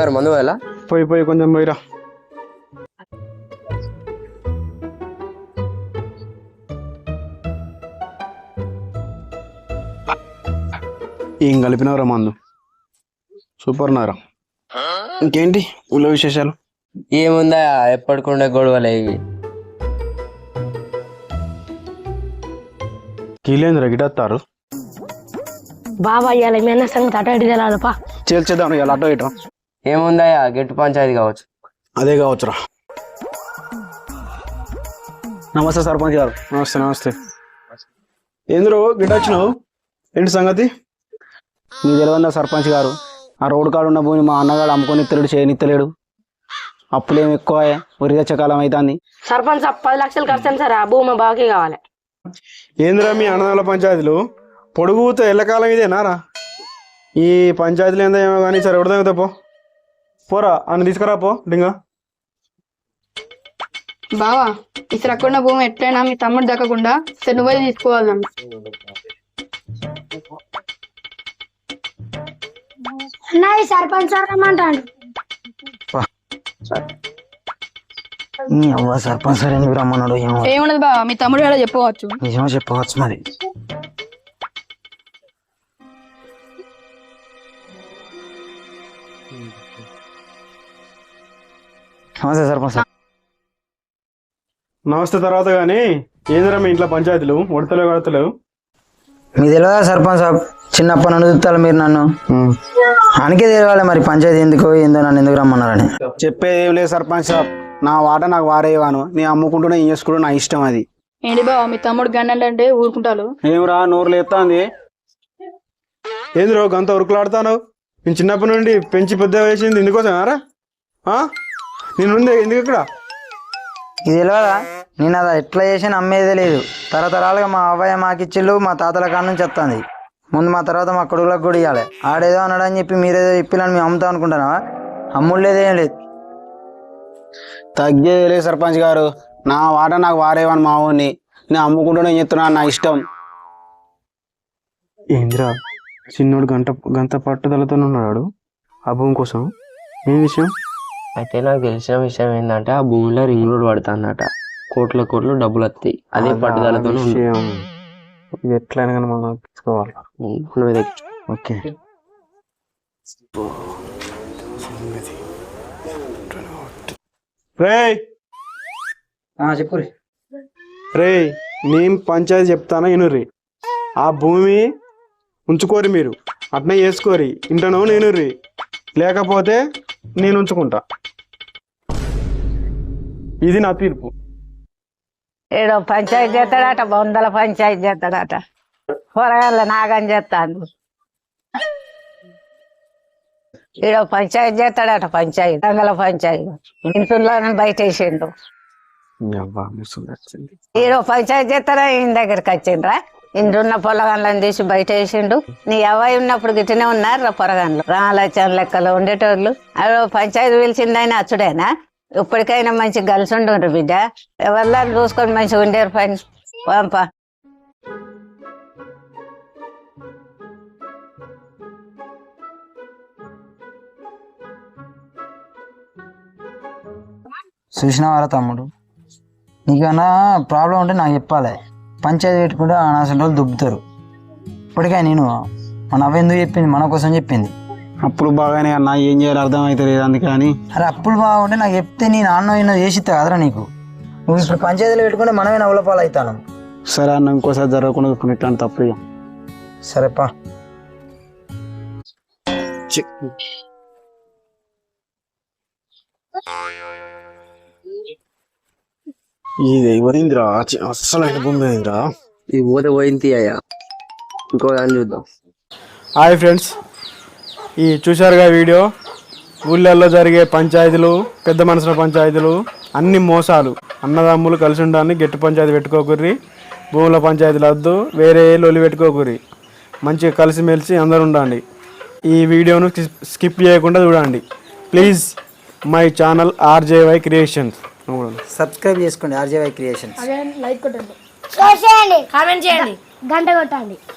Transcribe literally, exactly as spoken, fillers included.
గారు మందు పోయాలా? పోయి పోయి కొంచెం పోయిరా. ఏం కలిపినవరా మందు? సూపర్ నారా. ఇంకేంటి ఊళ్ళో విశేషాలు? ఏముందా, ఎప్పటికుండే గొడవలే ఇవి. కీలేంద్ర గిటత్తారు బాబా ఇవాళ మీ అన్న సంగతి అటు ఇటు తెలాలపా. చేల్చేద్దాం ఇలా అటో ఇటో. ఏముందా, గెట్టు పంచాయతీ కావచ్చు. అదే కావచ్చురా. నమస్తే సర్పంచ్ గారు. నమస్తే నమస్తే. ఏంద్రో గిట వచ్చినావు, ఏంటి సంగతి? మీ తెలియదా సర్పంచ్ గారు, ఆ రోడ్డు కాడు ఉన్న భూమి మా అన్నగాడు అమ్ముకొని ఇత్తలేడు, చేయనిత్తలేడు. అప్పులేం ఎక్కువ, వరి తెచ్చకాలం అవుతుంది. సర్పంచ్ పది లక్షలు ఖర్చు సార్, ఆ భూమి బాకీ కావాలి. ఏంద్రా మీ అన్నదాల పంచాయతీలు పొడుగుతో ఎల్లకాలం ఇదేనారా? ఈ పంచాయతీలు ఏందో ఏమో కానీ సరే ఎవరిదా పో పోరా అని తీసుకురా పో డింగా. బావా ఇసరు అక్కడ భూమి ఎట్లయినా మీ తమ్ముడు దక్కకుండా సరే నువ్వే తీసుకోవాలన్న. సర్పంచ్ సార్ రమ్మంటాడు. సర్పంచ్ సార్ ఎందుకు రమ్మన్నాడు? ఏమున్నది బావా, మీ తమ్ముడు కూడా చెప్పవచ్చు. నిజమో చెప్పవచ్చు మరి. నమస్తే సర్పంచ్ సార్. నమస్తే తర్వాత కానీ ఏందిరా మీ ఇంట్లో పంచాయతీలు ఉడతలేవు కడతలేవు? మీకు తెలియదా సర్పంచ్ సాబ్, చిన్నప్పటి నుండి చూస్తారు మీరు నన్ను. అందుకే తెలియాలి మరి పంచాయతీ ఎందుకో ఏందో నన్ను ఎందుకు రమ్మన్నారని. చెప్పేది ఏం లేదు సర్పంచ్ సాబ్, నా వాట నాకు వారేవాను, నేను అమ్ముకుంటూనే ఏం చేసుకుంటూ నా ఇష్టం అది. ఏంటి బావా మీ తమ్ముడు గండంటే ఊరుకుంటారు? ఏమిరా నోరు లేస్తాంది? ఏందిరో గంత ఉరుకులాడుతాను? నేను చిన్నప్పటి నుండి పెంచి పెద్ద వేసింది ఇందుకోసమారా? నేనుంది ఎందుకు ఇక్కడ? ఇది తెలియదా? నేను అది ఎట్లా చేసి అమ్మేదే లేదు. తరతరాలుగా మా అవ్వయ్య మాకిచ్చిళ్ళు, మా తాతల కాడ నుంచి వస్తుంది. ముందు మా తర్వాత మా కొడుకులకు కూడా ఇవ్వాలి. ఆడేదో అన్నాడని చెప్పి మీరేదో చెప్పిలని మేము అమ్ముతాం అనుకుంటున్నావా? అమ్ముళ్ళేదేం లేదు. తగ్గేది లేదు సర్పంచ్ గారు, నా వాట నాకు వారేవాను మా ఊరిని, నేను అమ్ముకుంటూనే చెప్తున్నాను నా ఇష్టం. ఏంద్రా చిన్నోడు గంట గంట పట్టుదలతో ఉన్నాడు ఆ భూమి కోసం, ఏం విషయం? అయితే నాకు తెలిసిన విషయం ఏంటంటే ఆ భూమిలో రింగ్ రోడ్ పడతా అన్నట, కోట్ల కోట్లు డబ్బులు వస్తాయి. అదే పట్టుదలతో ఎట్లయినా కానీ మనం తీసుకోవాలి. ఓకే రే చెప్పు రే, నేను పంచాయతీ చెప్తాను ఇనుర్రి. ఆ భూమి ఉంచుకోరి, మీరు అట్నే చేసుకోరి. ఇంటనో నేను రీ, లేకపోతే నేను ఉంచుకుంటా. ఇది నా తీర్పు. ఏడో పంచాయతీ చేస్తాడట, వందల పంచాయతీ చేస్తాడట, కూరగాయల నాగని చేస్తాను. ఈడో పంచాయతీ చేస్తాడట, పంచాయతీ రంగల పంచాయతీ ఇంట్లో బయట వేసిండు. ఈడో పంచాయతీ చేస్తాడా ఈయన దగ్గరికి వచ్చిండ్రా? ఇందున్న పొలగాన్లను తీసి బయట వేసిండు. నీ అవ్వాయి ఉన్నప్పుడు గిట్టనే ఉన్నారు రా పొరగాన్లు, రాలచన లెక్కలు ఉండేటోళ్ళు. అదో పంచాయతీ పిలిచిందైనా అచ్చుడేనా? ఇప్పటికైనా మంచి కలిసి ఉండు బిడ్డ, ఎవరిలా చూసుకొని మంచిగా ఉండేరు పని పంప. చూసినవారా తమ్ముడు, నీకన్నా ప్రాబ్లం ఉంటే నాకు చెప్పాలి. పంచాయతీ పెట్టుకుంటే అసలు రోజులు దుబ్బుతారు. ఇప్పటికే నేను మన అవ్వ ఎందుకు చెప్పింది, మన కోసం చెప్పింది. అప్పుడు బాగానే అన్న, ఏం చేయాలి అర్థం అయితే లేదు అందుకని. అరే అప్పుడు బాగుంటే నాకు చెప్తే నేను అన్న ఇన్నో చేసిస్తా కదరా నీకు. నువ్వు ఇప్పుడు పంచాయతీలో పెట్టుకుంటే మనమే నవ్వులపాలు అవుతాను. సరే అన్న, ఇంకోసారి జరగకుండా ఇట్లాంటి తప్పు. సరేపా. ఇది పోయిందిరా, అస్సలు పోయిందిరా. ఇది పోతే పోయింది అయ్యా, ఇంకో దాన్ని చూద్దాం. హాయ్ ఫ్రెండ్స్, ఈ చూశారుగా వీడియో. ఊళ్ళల్లో జరిగే పంచాయతీలు, పెద్ద మనసుల పంచాయతీలు అన్ని మోసాలు. అన్నదమ్ములు కలిసి ఉండాలని గట్టి పంచాయతీ పెట్టుకోకూరి, భూముల పంచాయతీలు వద్దు, వేరే లొల్లి పెట్టుకోకూరి. మంచిగా కలిసిమెలిసి అందరు ఉండండి. ఈ వీడియోను స్కిప్ చేయకుండా చూడండి please. My channel RJY creations. Subscribe చేసుకోండి ఆర్జేవై క్రియేషన్స్. లైక్ కొట్టండి, షేర్ చేయండి, కామెంట్ చేయండి, గంట కొట్టండి.